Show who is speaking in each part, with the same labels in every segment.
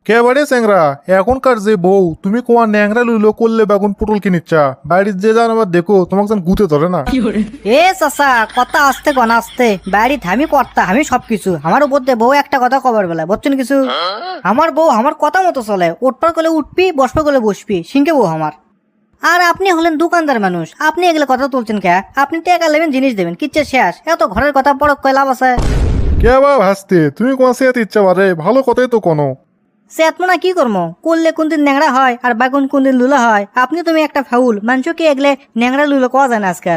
Speaker 1: কেবারে চ্যাংরা এখনকার যে বউ তুমি কোয়া ন্যাংরা লুলো করলে বেগুন পটল কিনিচ্ছা বাড়ির যে যান আবার দেখো তোমাকে যেন গুতে ধরে না।
Speaker 2: এ চাচা কথা আসতে গনা আসতে বাড়ি আমি কর্তা আমি সবকিছু আমার উপর দিয়ে বউ একটা কথা কবার বেলা বুঝছেন কিছু। আমার বউ আমার কথা মতো চলে, উঠপার করলে উঠবি বসবার করলে বসবি সিংকে বউ আমার। আর আপনি হলেন দোকানদার মানুষ, আপনি এগুলো কথা তুলছেন কে? আপনি টাকা নেবেন জিনিস দেবেন কিচ্ছে শেষ, এত ঘরের কথা বড় কয় লাভ আছে?
Speaker 1: কে বা ভাসতে তুমি কোয়া সেত ইচ্ছা পারে ভালো কথাই তো কোনো।
Speaker 2: সে আত্মনা কি করবো করলে কোনদিন ন্যাংরা হয় আর বাগুন কোনদিন লুলা হয়। আপনি তুমি একটা ফাউল মানুষকে এগলে ন্যাংরা লুলো কোয়া যায় না আজকাল।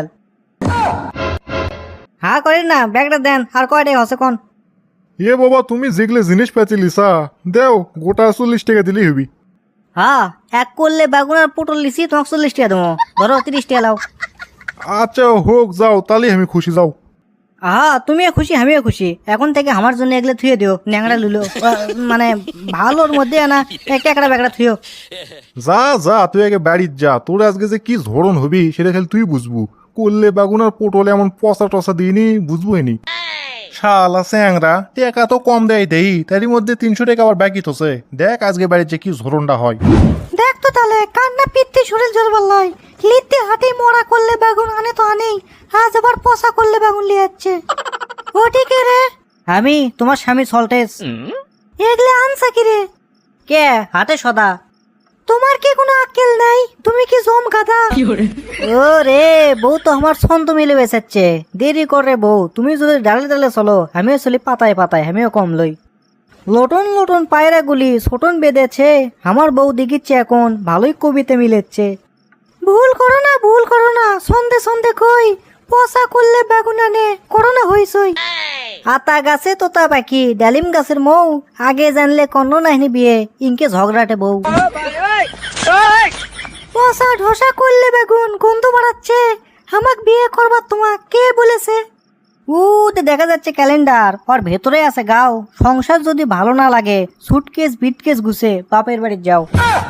Speaker 2: হ্যাঁ করেন না ব্যাগটা দেন আর কয়টাই হসে কোন।
Speaker 1: এ বাবা তুমি যেগুলো জিনিস পেয়েছি লিসা দেও গোটা 40 টাকা দিলেই হবি।
Speaker 2: হ্যাঁ এক করলে বাগুন আর পটল লিসি তোমাকে 40 টাকা দেবো, ধরো 30 টাকা লাও।
Speaker 1: আচ্ছা হোক যাও তাহলে আমি খুশি যাও।
Speaker 2: হ্যাঁ তুমিও খুশি আমিও খুশি, এখন থেকে আমার জন্য এগুলো থুয়ে দিও ন্যাংরা লুলো মানে ভালোর মধ্যে না একটা একটা ব্যাগটা থুয়েও।
Speaker 1: যা যা তুই আগে বাড়ির যা, তোর আজকে যে কি ধরন হবি সেটা খালি তুই বুঝবু। করলে বেগুন আর পটলে এমন পচা টসা দিইনি বুঝবই নি। শালা স্যাংরা টাকা তো কম দেয় দেই তারই মধ্যে 300 টাকা আবার বাকি তোছে। দেখ আজকে বাড়ির যে কি ধরনটা হয়।
Speaker 2: দেখ তো তাহলে কান্না পিত্তি শরীর জোর বললাই লিতে হাতে মোড়া করলে বেগুন আনে তো আনেই, আজ আবার পচা করলে বেগুন লিয়ে যাচ্ছে। ও ঠিক রে আমি তোমার স্বামী সল্টেস এগলে আনসা কি রে? কে হাতে সদা? তোমার কি কোনো আক্কেল নাই? তুমি কি জম গাদা? ও রে বউ তো আমার ছন্দ মিলে বেসাচ্ছে, দেরি করে বউ তুমি যদি ডালে ডালে চলো আমিও চলি পাতায় পাতায় আমিও কম লই। লোটন লোটন পায়রা গুলি ছোটন বেঁধেছে আমার বউ দেখিচ্ছে এখন ভালোই কবিতে মিলেচ্ছে। ভুল করো না সন্ধে সন্ধে কই পচা করলে বেগুন আনে করোনা হইছই। আতা গাছে তোতা পাখি ডালিম গাছের মৌ আগে জানলে কন্ন নাহিনী বিয়ে ইনকে ঝগড়াটে বউ। পচা ঢোসা করলে বেগুন গন্ধ বাড়াচ্ছে, আমাক বিয়ে করবার তোমাক কে বলেছে? উতে দেখা যাচ্ছে ক্যালেন্ডার, ওর ভেতরে আছে গাও। সংসার যদি ভালো না লাগে সুটকেস বিটকেস গুছে বাপের বাড়ি যাও।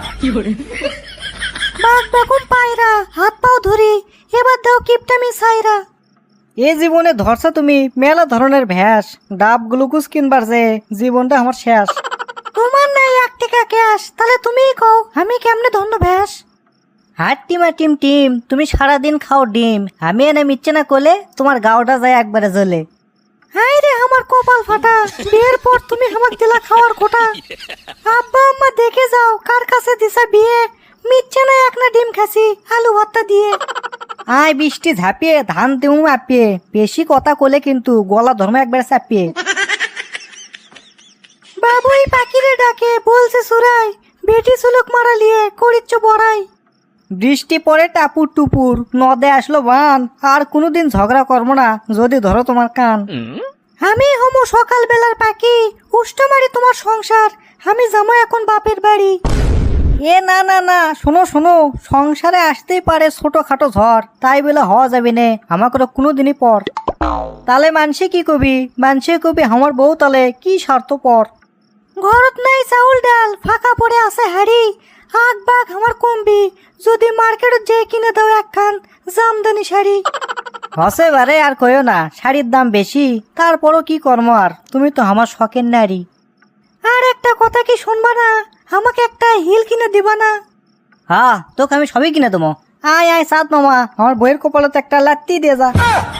Speaker 2: বাঘ বেগুন পায়রা হাত পাও ধরি এবার দাও কিপটামি সাইরা। এ জীবনে ধরছো তুমি মেলা ধরনের ভ্যাস, ডাব গ্লুকোজ কিনবার যে জীবনটা আমার শেষ। তোমার নাই 1 টাকা ক্যাশ তাহলে তুমিই কও আমি কেমনে ধন্য ভ্যাস। হাট টিমা টিম টিম তুমি সারাদিন খাও ডিম, আমি এনে মিচ্ছে না কোলে তোমার গাওটা যায় একবারে জ্বলে। হাই রে আমার কপাল ফাটা বিয়ের পর তুমি আমাকে দিলা খাওয়ার কোটা। আব্বা আম্মা দেখে যাও কার কাছে দিছা বিয়ে, মিচ্ছে না এক না ডিম খাসি আলু ভর্তা দিয়ে। আয় বৃষ্টি ঝাঁপিয়ে ধান দেউ আপিয়ে, বেশি কথা কোলে কিন্তু গলা ধর্ম একবার চাপিয়ে। বাবুই পাখিরে ডাকে বলছে সুরাই বেটি সুলুক মারালিয়ে করিচ্ছ বড়াই। বৃষ্টি পরে টাপুর টুপুর নদে আসলো বান, আর কোনোদিন ঝগড়া করবো না যদি ধরো তোমার কান। আমি হমো সকাল বেলার পাখি উষ্ট মারি তোমার সংসার, আমি যাবো এখন বাপের বাড়ি। এ না না না শোনো শোনো সংসারে আসতেই পারে ছোটখাটো ঝড়, তাই বলে হওয়া যাবে না আমাকে কোনোদিনই পর। তালে মানসে কি কবি মানসে কবি আমার বউ তালে কি স্বার্থ পর। ঘরত নাই চাউল ডাল ফাঁকা পড়ে আছে হাড়ি, আগ বাঘ আমার কমবি যদি মার্কেটে যে কিনে দাও একখান জামদানি শাড়ি। হসে বারে আর কইও না শাড়ির দাম বেশি, তারপরও কি কর্ম আর তুমি তো আমার শখের নারী। আর একটা কথা কি শুনবা না, আমাকে একটা হিল কিনে দিবা না? হ্যাঁ তোকে আমি সবই কিনে দেবো, আয় আয় সাত মামা আমার বইয়ের কপালে তো একটা লাত্তি দিয়ে যা।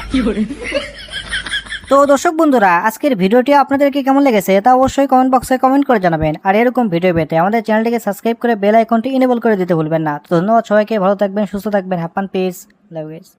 Speaker 2: তো দর্শক বন্ধুরা আজকের ভিডিওটি আপনাদেরকে কেমন লেগেছে তা অবশ্যই কমেন্ট বক্সে কমেন্ট করে জানাবেন, আর এরকম ভিডিও পেতে আমাদের চ্যানেলটিকে সাবস্ক্রাইব করে বেল আইকনটি ইনেবল করে দিতে ভুলবেন না। তো ধন্যবাদ সবাইকে, ভালো থাকবেন সুস্থ থাকবেন, হ্যাপি পিস লাভ ইউ।